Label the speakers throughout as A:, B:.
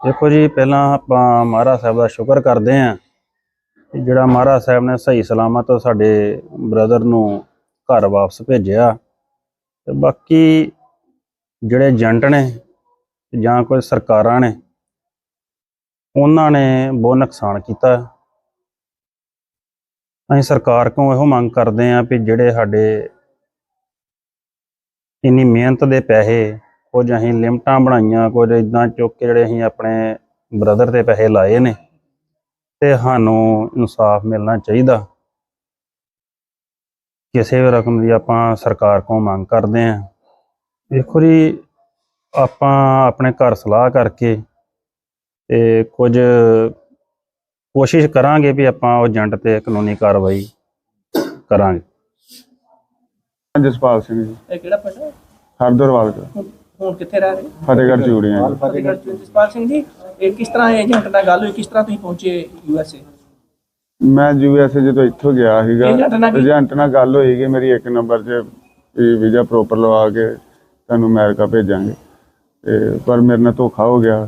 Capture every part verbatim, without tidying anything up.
A: देखो जी, पहला आप महाराज साहब का शुक्र करते हैं कि जिहड़ा महाराज साहब ने सही सलामत साडे ब्रदर नूं घर वापस भेजिया। ते बाकी जिहड़े एजेंट ने जां कोई सरकारां ने उन्हां ने बहुत नुकसान किया। असीं सरकार कोलों इहो मंग करते हैं भी जिहड़े साडे इन्नी मेहनत दे पैसे कुछ असीं लिमटां बनाईयां, कुछ इदां चुक के जिहड़े असीं अपने ब्रदर ते पैसे लाए ने ते सानूं इंसाफ मिलना चाहिए। किसी भी रकम की आपां सरकार को मंग करते हैं। देखो जी, आपां अपने घर सलाह करके ते कुछ कोशिश करांगे भी आपां एजेंट ते कानूनी कार्रवाई करांगे।
B: जसपाल सिंह जी,
C: ਇਹ ਕਿਹੜਾ ਪਿੰਡ ਹੈ?
B: ਹਰਦਰਵਾਲ ਦਾ
C: ਹੁਣ ਹੁਣ ਕਿੱਥੇ ਰਹਿ ਰਹੇ?
B: ਫਤਿਹਗੜ੍ਹ ਚੂੜੀਆਂ ਜੀ।
C: ਫਤਿਹਗੜ੍ਹ ਚ। ਜਸਪਾਲ ਸਿੰਘ ਜੀ, ਇਹ ਕਿਸ ਤਰ੍ਹਾਂ ਏਜੰਟ ਨਾਲ ਗੱਲ ਹੋਈ, ਕਿਸ ਤਰ੍ਹਾਂ ਤੁਸੀਂ ਪਹੁੰਚੇ ਯੂ ਐਸ ਏ?
B: ਮੈਂ ਯੂ ਐਸ ਏ ਜਦੋਂ ਇੱਥੋਂ ਗਿਆ ਸੀਗਾ,
C: ਏਜੰਟ ਨਾਲ ਕੀ-
B: ਏਜੰਟ ਨਾਲ ਗੱਲ ਹੋਈ ਕਿ ਮੇਰੀ ਇੱਕ ਨੰਬਰ 'ਚ ਵੀਜ਼ਾ ਪ੍ਰੋਪਰ ਲਵਾ ਕੇ ਤੁਹਾਨੂੰ ਅਮਰੀਕਾ ਭੇਜਾਂਗੇ, ਤੇ ਪਰ ਮੇਰੇ ਨਾਲ ਧੋਖਾ ਹੋ ਗਿਆ।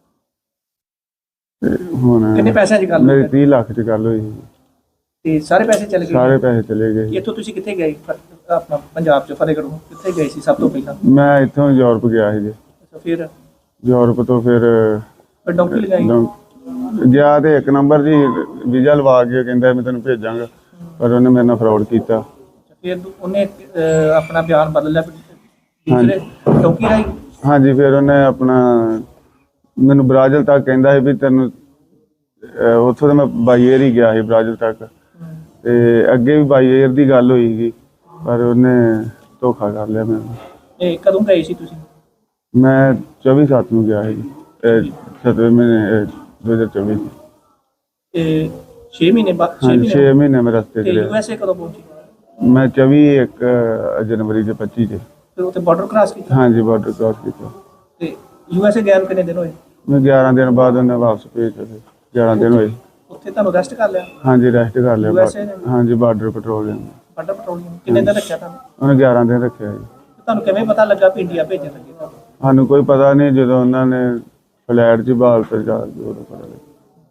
B: ਤੇ ਹੁਣ
C: ਕਿੰਨੇ ਪੈਸਿਆਂ ਦੀ ਗੱਲ
B: ਮੇਰੀ
C: ਹੋਈ?
B: ਤੀਹ ਲੱਖ 'ਚ ਗੱਲ ਹੋਈ ਸੀ।
C: ਤੇ ਸਾਰੇ ਪੈਸੇ ਚਲੇ ਗਏ?
B: ਸਾਰੇ ਪੈਸੇ ਚਲੇ ਗਏ।
C: ਇੱਥੋਂ ਤੁਸੀਂ ਕਿੱਥੇ ਗਏ? ਫ- ਆਪਣਾ ਪੰਜਾਬ ਚ ਫਤਿਹਗੜ੍ਹੋਂ ਕਿੱਥੇ ਗਏ ਸੀ ਸਭ ਤੋਂ ਪਹਿਲਾਂ?
B: ਮੈਂ ਇੱਥੋਂ ਯੂਰਪ ਗਿਆ ਸੀ ਜੀ।
C: ਅੱਛਾ, ਫਿਰ
B: ਯੂਰਪ ਤੋਂ ਫਿਰ
C: ਫਿਰ ਡੌਂਕੀ ਲਗਾਈ?
B: ਲੰ- ਗਿਆ ਤੇ ਇੱਕ ਨੰਬਰ ਜੀ ਵੀਜ਼ਾ ਲਵਾ ਕੇ ਕਹਿੰਦਾ ਮੈਂ ਤੈਨੂੰ ਭੇਜਾਂਗਾ, ਪਰ ਉਹਨੇ ਮੇਰੇ ਨਾਲ ਫਰਾਡ ਕੀਤਾ।
C: ਫਿਰ ਦੂ- ਉਹਨੇ ਅਹ, ਆਪਣਾ ਬਿਆਨ ਬਦਲ ਲਿਆ ਫਿਰ ਦੂਸਰੇ ਡੌਂਕੀ ਰਾਈ?
B: ਹਾਂਜੀ, ਫਿਰ ਉਹਨੇ ਆਪਣਾ ਮੈਨੂੰ ਬ੍ਰਾਜ਼ਿਲ ਤੱਕ ਕਹਿੰਦਾ ਸੀ ਵੀ ਤੈਨੂੰ ਅਹ ਉੱਥੋਂ ਤਾਂ ਮੈਂ ਬਾਈ ਏਅਰ ਹੀ ਗਿਆ ਸੀ ਬ੍ਰਾਜ਼ਿਲ ਤੱਕ, ਤੇ ਅੱਗੇ ਵੀ ਬਾਈ ਏਅਰ ਦੀ ਗੱਲ ਹੋਈ ਸੀ, ਪਰ ਉਹਨੇ ਧੋਖਾ ਕਰ ਲਿਆ ਮੈਨੂੰ।
C: ਇਹ ਕਦੋਂ ਗਏ ਸੀ ਤੁਸੀਂ?
B: ਮੈਂ ਚੌਵੀ ਸੱਤ ਨੂੰ ਗਿਆ ਸੀ, ਸਤਵੇਂ ਮਹੀਨੇ ਦੋ ਹਜ਼ਾਰ ਚੌਵੀ ਚ।
C: ਇਹ ਛੇ ਮਹੀਨੇ ਬਾਅਦ? ਛੇ
B: ਹਾਂਜੀ,
C: ਮਹੀਨੇ
B: ਛੇ ਮਹੀਨੇ ਮੈਂ ਰਸਤੇ
C: ਤੇ
B: ਚ
C: ਯੂ
B: ਰਿਹਾ।
C: ਐਸ ਏ ਕਦੋਂ ਪਹੁੰਚੇ?
B: ਮੈਂ ਚੌਵੀ ਇੱਕ ਜਨਵਰੀ ਦੇ ਪੱਚੀ ਚ।
C: ਫਿਰ ਉੱਥੇ ਬਾਰਡਰ ਕ੍ਰਾਸ ਕੀਤਾ?
B: ਹਾਂਜੀ, ਬਾਰਡਰ ਕ੍ਰਾਸ ਕੀਤਾ।
C: ਤੇ ਯੂ ਐਸ ਏ ਗਏ ਨੂੰ ਕਿੰਨੇ ਦਿਨ ਹੋਏ?
B: ਮੈਂ ਗਿਆਰਾਂ ਦਿਨ ਬਾਅਦ ਉਹਨੇ ਵਾਪਸ ਭੇਜ ਦਿੱਤੇ। ਗਿਆਰਾਂ ਦਿਨ ਹੋਏ।
C: ਉੱਥੇ ਤੁਹਾਨੂੰ ਅਰੈਸਟ ਕਰ ਲਿਆ
B: ਹਾਂਜੀ, ਰੈਸਟ ਕਰ ਲਿਆ।
C: ਯੂ ਐਸ ਏ ਨੇ?
B: ਹਾਂਜੀ, ਬਾਰਡਰ ਪੈਟਰੋਲਿੰਗ
C: ਬਾਰਡਰ ਪੈਟਰੋਲਿੰਗ ਕਿੰਨੇ ਦਿਨ ਰੱਖਿਆ ਤੁਹਾਨੂੰ?
B: ਉਹਨੇ ਗਿਆਰਾਂ ਦਿਨ ਰੱਖਿਆ ਜੀ।
C: ਤੁਹਾਨੂੰ ਕਿਵੇਂ ਪਤਾ ਲੱਗਾ ਵੀ ਇੰਡੀਆ ਭੇਜਣ ਲੱਗੇ ਤੁਹਾਨੂੰ?
B: ਸਾਨੂੰ ਕੋਈ ਪਤਾ ਨਹੀਂ, ਜਦੋਂ ਉਹਨਾਂ ਨੇ ਫਲੈਟ 'ਚ ਬਾਲ ਤੇ ਜਾ ਕੇ ਉਦੋਂ ਪਤਾ ਲੱਗਾ।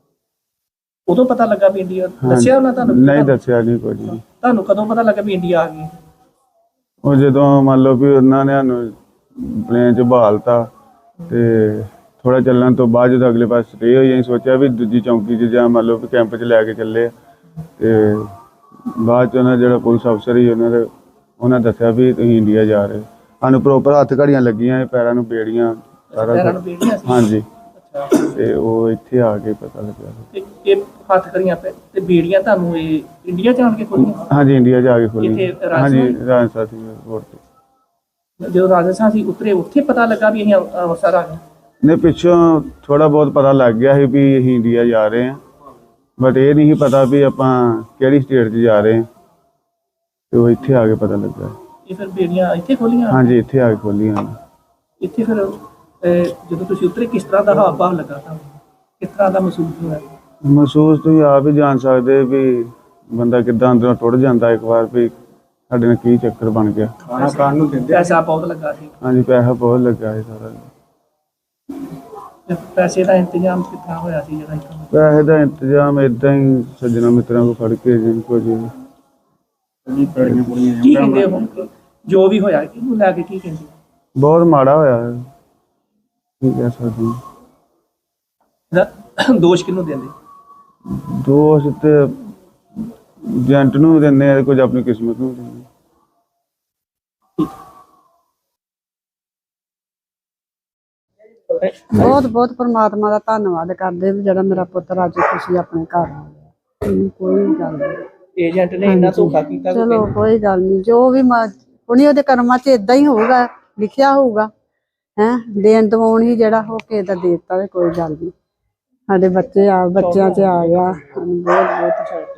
C: ਉਦੋਂ ਪਤਾ ਲੱਗਾ ਵੀ ਇੰਡੀਆ? ਦੱਸਿਆ ਉਹਨਾਂ ਤੁਹਾਨੂੰ?
B: ਨਹੀਂ ਦੱਸਿਆ ਨਹੀਂ ਕੁਝ ਵੀ।
C: ਤੁਹਾਨੂੰ ਕਦੋਂ ਪਤਾ ਲੱਗਾ ਵੀ ਇੰਡੀਆ ਆ ਗਈ?
B: ਉਹ ਜਦੋਂ ਮੰਨ ਲਓ ਵੀ ਉਹਨਾਂ ਨੇ ਸਾਨੂੰ ਪਲੇਨ 'ਚ ਬਹਾਲਤਾ, ਤੇ ਥੋੜਾ ਚੱਲਣ ਤੋਂ ਬਾਅਦ ਜਦੋਂ ਅਗਲੇ ਪਾਸੇ ਸਟੇ ਹੋਈ, ਅਸੀਂ ਸੋਚਿਆ ਵੀ ਦੂਜੀ ਚੌਂਕੀ 'ਚ ਜਾਂ ਮੰਨ ਲਓ ਵੀ ਕੈਂਪ 'ਚ ਲੈ ਕੇ ਚੱਲੇ ਆ। ਤੇ ਬਾਅਦ 'ਚ ਉਹਨਾਂ ਜਿਹੜਾ ਪੁਲਿਸ ਅਫਸਰ ਸੀ ਉਹਨਾਂ ਦੇ ਉਹਨਾਂ ਦੱਸਿਆ ਵੀ ਤੁਸੀਂ ਇੰਡੀਆ ਜਾ ਰਹੇ। ਸਾਨੂੰ ਪ੍ਰੋਪਰ ਹੱਥ ਘੜੀਆਂ ਲੱਗੀਆਂ, ਪੈਰਾਂ ਨੂੰ ਬੇੜੀਆਂ, ਸਾਰਾ
C: ਪੈਰਾਂ
B: ਕੁਛ।
C: ਨੂੰ ਬੀੜੀਆਂ ਸੀ?
B: ਹਾਂਜੀ,
C: ਅੱਛਾ,
B: ਤੇ ਉਹ ਇੱਥੇ ਆ ਕੇ ਪਤਾ ਲੱਗਾ।
C: ਤੇ ਇਹ ਹੱਥ ਕਰੀਆਂ ਪੈ ਤੇ ਬੀੜੀਆਂ ਤੁਹਾਨੂੰ ਇਹ ਇੰਡੀਆ ਜਾਣ ਕੇ ਖੋਲੀਆਂ?
B: ਹਾਂਜੀ, ਇੰਡੀਆ ਜਾ ਕੇ ਖੋਲੀ।
C: ਕਿੱਥੇ?
B: ਹਾਂਜੀ,
C: ਰਾਜਸਥਾਨ?
B: ਰਾਜਸਥਾਨ ਸੀ 에ਅਰਪੋਰਟ ਤੇ।
C: ਜਦੋਂ ਰਾਜਸਥਾਨ ਸੀ ਉਤਰੇ, ਉੱਥੇ ਪਤਾ ਲੱਗਾ ਵੀ ਅਸੀਂ ਅੰਮ੍ਰਿ- ਅੰਮ੍ਰਿਤਸਰ ਆ ਗਏ?
B: ਨੇ ਪਿੱਛੋਂ ਥੋੜਾ ਬਹੁਤ ਪਤਾ ਲੱਗ ਗਿਆ ਸੀ ਵੀ ਅਸੀਂ ਇੰਡੀਆ ਜਾ ਰਹੇ ਹਾਂ, ਬਟ ਇਹ ਨਹੀਂ ਸੀ ਪਤਾ ਵੀ ਆਪਾਂ ਕਿਹੜੀ ਸਟੇਟ 'ਚ ਜਾ ਰਹੇ ਹਾਂ। ਤੇ ਉਹ ਇੱਥੇ ਆ ਕੇ ਪਤਾ ਲੱਗਾ।
C: ਇਹ ਫਿਰ ਬੀੜੀਆਂ ਇੱਥੇ ਖੋਲੀਆਂ?
B: ਹਾਂਜੀ, ਇੱਥੇ ਆ ਕੇ ਖੋਲੀਆਂ।
C: ਇੱਥੇ ਫਿਰ ਅਹ, ਜਦੋਂ ਤੁਸੀਂ ਉਤਰੇ ਕਿਸ ਤਰ੍ਹਾਂ ਦਾ ਹਾਵ ਭਾਵ ਲੱਗਾ ਤੁਹਾਨੂੰ? ਕਿਸ ਤਰ੍ਹਾਂ ਦਾ ਮਹਿਸੂਸ ਹੋਇਆ?
B: ਮਹਿਸੂਸ ਤੁਸੀਂ ਆਪ ਹੀ ਜਾਣ ਸਕਦੇ ਵੀ ਬੰਦਾ ਕਿੱਦਾਂ ਅੰਦਰੋਂ ਟੁੱਟ ਜਾਂਦਾ ਇੱਕ ਵਾਰ ਵੀ ਸਾਡੇ ਨਾਲ ਕੀ ਚੱਕਰ ਬਣ ਗਿਆ।
C: ਖਾਣਾ ਖਾਣ ਨੂੰ ਦਿੰਦੇ? ਪੈਸਾ ਬਹੁਤ ਲੱਗਾ ਸੀ?
B: ਹਾਂਜੀ, ਪੈਸਾ ਬਹੁਤ ਲੱਗਾ ਸੀ ਸਾਰਾ।
C: ਤੇ ਪੈਸੇ ਦਾ ਇੰਤਜ਼ਾਮ ਕਿੱਥਾਂ ਹੋਇਆ ਸੀ ਜਿਹੜਾ ਇੱਥੋਂ?
B: ਪੈਸੇ ਦਾ ਇੰਤਜ਼ਾਮ ਏਦਾਂ ਹੀ ਸੱਜਣਾ ਮਿੱਤਰਾਂ ਕੋਲ ਫੜ ਕੇ ਜਿੰਨ ਕੋ ਜੀ
C: ਕੀ ਕਹਿੰਦੇ ਹੁਣ ਜੋ ਵੀ ਹੋਇਆ ਇਹਨੂੰ ਲੈ ਕੇ ਕੀ ਕਹਿੰਦੇ?
B: ਬਹੁਤ ਮਾੜਾ ਹੋਇਆ ਹੈ। ਕੀ ਕਹਿ ਸਕਦੇ ਹਾਂ।
C: ਇਹਦਾ ਦੋਸ਼ ਕਿਹਨੂੰ ਦਿੰਦੇ?
B: ਦੋਸਤ ਤੇ ਏਜੰਟ ਨੂੰ ਦਿੰਦੇ ਆ, ਕੁਝ ਆਪਣੀ ਕਿਸਮਤ ਨੂੰ ਦਿੰਦੇ ਆ।
D: ਬਹੁਤ ਬਹੁਤ ਪਰਮਾਤਮਾ ਦਾ ਧੰਨਵਾਦ ਕਰਦੇ ਵੀ ਜਿਹੜਾ ਮੇਰਾ ਪੁੱਤਰ ਅੱਜ ਖੁਸ਼ੀ ਆਪਣੇ ਘਰ ਆ ਗਿਆ। ਮੈਨੂੰ ਕੋਈ ਗੱਲ ਨਹੀਂ।
C: ਏਜੰਟ ਨੇ ਇੰਨਾ ਧੋਖਾ ਕੀਤਾ?
D: ਚਲੋ ਕੋਈ ਗੱਲ ਨਹੀਂ, ਜੋ ਵੀ ਉਹਨੇ ਉਹਦੇ ਕਰਮਾਂ 'ਚ ਇਦਾਂ ਹੀ ਹੋਊਗਾ, ਲਿਖਿਆ ਹੋਊਗਾ। ਹੈ ਦੇਣ ਦਵਾਉਣ ਹੀ ਜਿਹੜਾ ਹੋ ਕੇ ਦਾ ਦੇ ਦਿੱਤਾ, ਕੋਈ ਗੱਲ ਨਹੀਂ। ਸਾਡੇ ਬੱਚੇ ਆ ਬੱਚਿਆਂ 'ਚ ਆ ਗਿਆ। ਸਾਨੂੰ ਬਹੁਤ ਬਹੁਤ